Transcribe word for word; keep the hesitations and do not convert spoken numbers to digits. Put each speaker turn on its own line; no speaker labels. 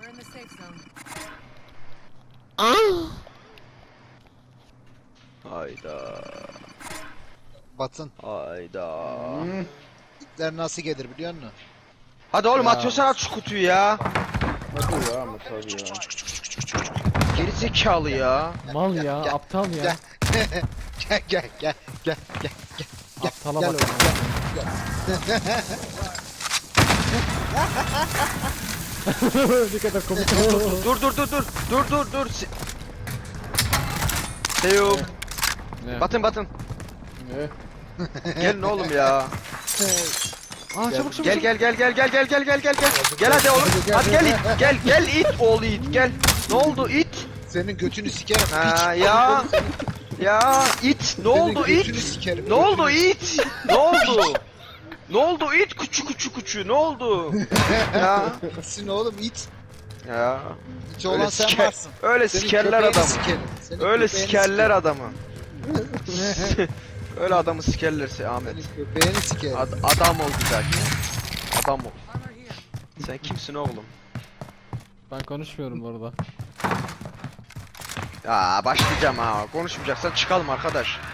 We're in the safe zone.
Hayda.
Batın.
Hayda.
İtler nasıl gelir biliyor musun?
Hadi oğlum
Ya.
atıyorsan at şu kutuyu ya.
Hadi ya Ahmet abi ya.
Geri zekalı ya.
Mal
Gel,
ya,
gel,
aptal ya.
gel. Gel gel gel gel gel gel.
Aptala
Gel
bak.
oğlum, gel.
Ne kadar komik.
Dur dur dur dur. Dur dur dur. Si- Seyum.
Ne?
Batın batın.
Ne?
Gelin oğlum ya. Aa çabuk çabuk. Gel
Gel.
gel gel gel gel gel gel gel gel. Gel hadi oğlum. Hadi gel it. Gel gel it oğlu it gel. Ne oldu it?
Senin götünü sikerim.
Ha
piç.
ya. Ya it. Ne
Senin
oldu
götünü
it?
sikerim,
Ne oldu
götünü.
it? Ne oldu? Ne oldu it? Kuçu kuçu kuçu. Ne oldu? Ya.
Sin oğlum it.
Ya.
İç olan
Öyle
sen
siker-
varsın.
Öyle
Senin
sikerler
köpeğini
adamı.
sikerim. Senin
Öyle
köpeğini
sikerler
sikerim.
adamı. Öyle adamı sikerlerse Ahmet.
Senin köpeğini sikerim.
Ad- adam ol güzel. Adam ol.
Armor here.
Sen kimsin oğlum?
Ben konuşmuyorum bu arada.
Ya başlayacağım ha. Konuşmayacaksan çıkalım arkadaş.